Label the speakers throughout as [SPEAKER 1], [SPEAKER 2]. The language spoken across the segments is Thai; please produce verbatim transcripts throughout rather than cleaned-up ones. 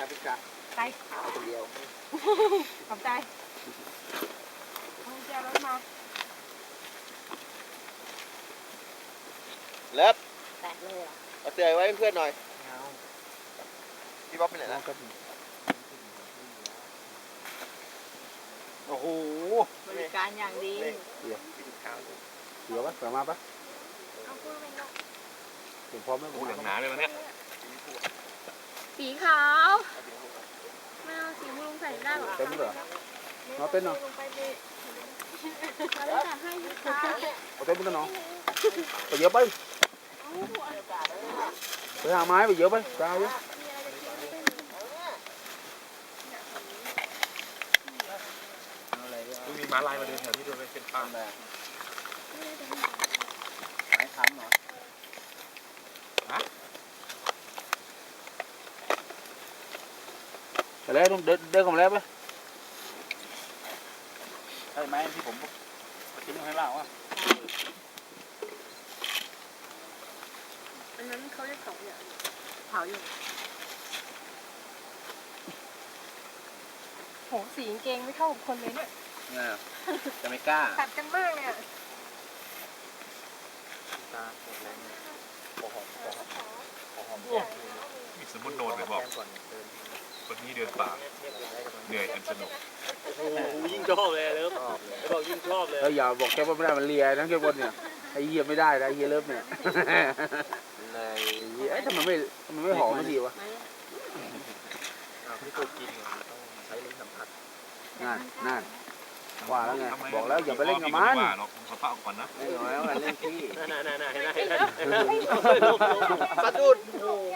[SPEAKER 1] พี่กะ
[SPEAKER 2] ไป
[SPEAKER 1] เอาคนเดียว
[SPEAKER 2] ขอบใจเอาเจ้ารถมา
[SPEAKER 1] เลิฟ
[SPEAKER 2] แตกเลยอ่ะ
[SPEAKER 1] เอาเตือนไว้เพื่อนหน่อยพี่บ๊อบไปไหนนะโอ้โห
[SPEAKER 2] บริการอย่างดี
[SPEAKER 1] เดี๋ยวกินข้าว
[SPEAKER 3] เดี๋ยวปะเสือมาปะ
[SPEAKER 2] เอาพูดไปเนาะ
[SPEAKER 3] ถึงพร้อมไหม
[SPEAKER 4] โอ้เหลืองหนาเลยวันนี้
[SPEAKER 2] สีขาวไม่เอาสีม่วงใส่ได้หรอ
[SPEAKER 3] เต็มเหรอเอาเต้นเนาะ
[SPEAKER 2] อะไรจะให้สีขาว
[SPEAKER 3] เอาเต้นเป็นเนาะไปเยอะไปไปหาไม้ไปเยอะไปจ้าเยอะ
[SPEAKER 4] มีม้าลายมาเดินแถวนี้ด้วยเป็นป่า
[SPEAKER 1] ไม้ค้ำเหรอ
[SPEAKER 3] ไปแล้วเดินเดินกันแล้วไป
[SPEAKER 1] ใช่ไหมที่ผมทิ้งให้เล่าอ่ะ
[SPEAKER 2] อันนั้นเขาเรียกเผาอย่างเผาอยู่โหสีกางเกงไม่เข้ากับคนเลยเนี่ย
[SPEAKER 1] จะไม่กล้า
[SPEAKER 2] ตัดกันมากเนี่ย
[SPEAKER 1] ตาแรงโอ้โหโอ้โห
[SPEAKER 4] มีสมุนโนดไปบอกวันนี้เดินป่าเหนื่อยอันสนุก
[SPEAKER 1] ยิ่งชอบเลยเลิฟบอกยิ่งชอบเลย
[SPEAKER 3] แล้วอย่าบอกแค่ว่าไม่ได้มันเลียทั้งแค่บนเนี่ยไอ้เหี้ยไม่ได้นะไอ้เหี้ยเลิฟเนี่ย
[SPEAKER 1] ใน
[SPEAKER 3] เอ้ยทำไมไม่ทำไมไม่หอมไม่ดีวะ
[SPEAKER 1] พี่ตัวกินต้องใช้ลิ้นสัมผัส
[SPEAKER 3] นั่นนั่นว่าแล้วไงบอกแล้วอย่าไปเล่นกับมัน
[SPEAKER 4] เขาป้าก่อนนะ
[SPEAKER 3] ไม่น้อยว่าเล่นที่
[SPEAKER 1] นั่นนั่นนั่นนั่นนั่นสะดุด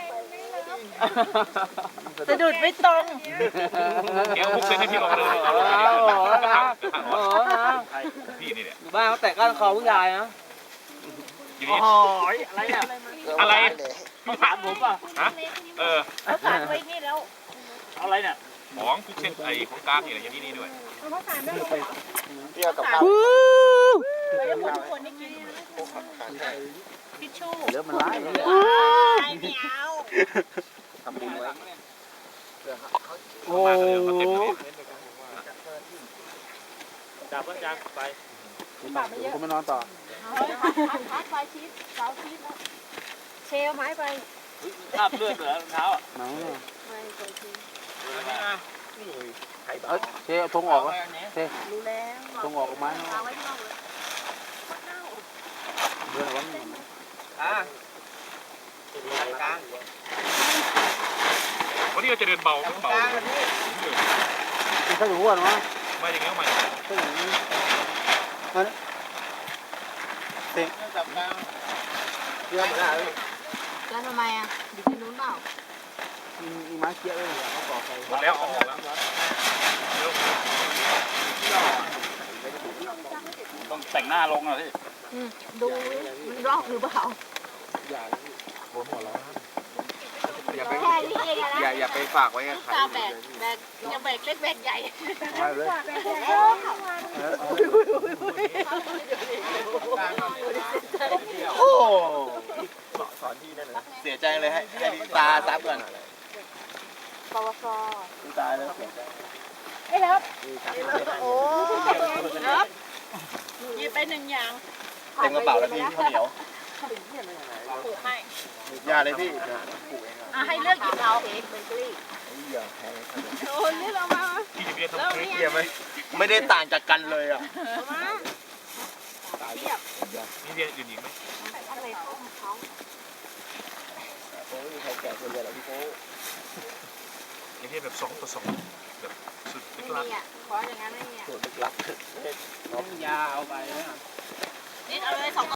[SPEAKER 2] สะดุดไม่ตรง
[SPEAKER 4] เดี๋ยวพุกเส้นให้พี่ลงเลยพี่นี่แหละ
[SPEAKER 1] บ้านเขาแตะก้านคอผู้ชายนะ
[SPEAKER 4] อ๋อ
[SPEAKER 1] อะไรเนี่ย
[SPEAKER 4] อะไร
[SPEAKER 1] พี่ถามผมป่ะ
[SPEAKER 4] ฮะเออ
[SPEAKER 2] เขาฝากไว้นี่แล้ว
[SPEAKER 1] อะไรเนี่ย
[SPEAKER 4] ของพุกเส้นไอ้ของกลางนี่แหละอย่างนี้นี่ด้วย
[SPEAKER 2] เขาฝากได้เลย
[SPEAKER 1] เที่ยวกับเขา
[SPEAKER 2] เราจะหมดทุกคนได้กินทิชชู่
[SPEAKER 3] เลิฟมันร้าย
[SPEAKER 2] ไม่เอา
[SPEAKER 1] ทำบุญไว้
[SPEAKER 3] โอ้
[SPEAKER 1] จับก็จับไป
[SPEAKER 3] คุณมานอนต่อ
[SPEAKER 2] พักไปชีสเสาชีสแล้วเชลไม้ไป
[SPEAKER 1] ภาพเลือดเหรอเท้า
[SPEAKER 3] หนังเนี่ย
[SPEAKER 2] ไม่เคยกิน
[SPEAKER 3] เอ้ยเชลทงออกวะเชล
[SPEAKER 2] รู้แล้ว
[SPEAKER 3] ทงออกไม้
[SPEAKER 2] เอาไว้ที่นอกเลย
[SPEAKER 3] เดินวัน
[SPEAKER 1] อ่ะกลาง
[SPEAKER 4] วันนี้เราจะเดินเบาเบา
[SPEAKER 3] ไม่ใช่หัวนะ
[SPEAKER 4] ไม่อย่างนี้ก็ไม่
[SPEAKER 3] ใช่อย่างนี้นั่นเต็ง
[SPEAKER 1] จับกลางเรื่องอะไร
[SPEAKER 2] แล้วทำไมอ่ะอยู่ที่นู้นเปล่า
[SPEAKER 3] มีไม้เกี้ยเลยเขาบอกไป
[SPEAKER 4] หมดแล้วหมดแล้ว
[SPEAKER 1] ต้องแต่งหน้าลงอ่ะพี่
[SPEAKER 2] ดูมันรอกหรือเปล่า
[SPEAKER 1] อย่าโดนหัวเราอย่าไป
[SPEAKER 2] แค่นี้เองนะ
[SPEAKER 1] อย่าอย่าไปฝากไว้กับใคร
[SPEAKER 2] แบกแบกอย่าแบกเล็กแบกใหญ่
[SPEAKER 3] มาเลย
[SPEAKER 1] โอ้สอนที่ได้เลยเสียใจเลยให้ให้ตาซับก่อน
[SPEAKER 2] ปวส
[SPEAKER 1] ตายเลยเสียใจ
[SPEAKER 2] ไอ้เลิฟโอ้เลิฟหยิบไปหนึ่งอย่าง
[SPEAKER 1] เต็มกระเป๋าแล้วพี่ข้าวเหนียว
[SPEAKER 2] ปลูกให้
[SPEAKER 1] ยาเลยพี่ปลูกเอง
[SPEAKER 2] อ่ะให้เลือกหยิบเอาเองเบเกอรี่
[SPEAKER 1] อย่าแพง
[SPEAKER 2] โอ้เลือกเอามา
[SPEAKER 4] พี่จะเรียกทำเ
[SPEAKER 1] รียบไหมไม่ได้ต่างจากกันเลยอ่ะ
[SPEAKER 2] มาเรียบ
[SPEAKER 4] นี่เรียนอื่นอีกไหม
[SPEAKER 2] อะไรต้มเขา
[SPEAKER 1] โอ้ยใครแก่คนเดียวแล้วพี่โก้
[SPEAKER 4] อย่างนี้แบบสองต่อสองแบบสุดลึกลับ
[SPEAKER 2] ขออย่างนั้นไม่มีอ่ะ
[SPEAKER 1] สุดลึกลับน้องยาเอาไปนะ
[SPEAKER 2] นี่เอาเลยสอง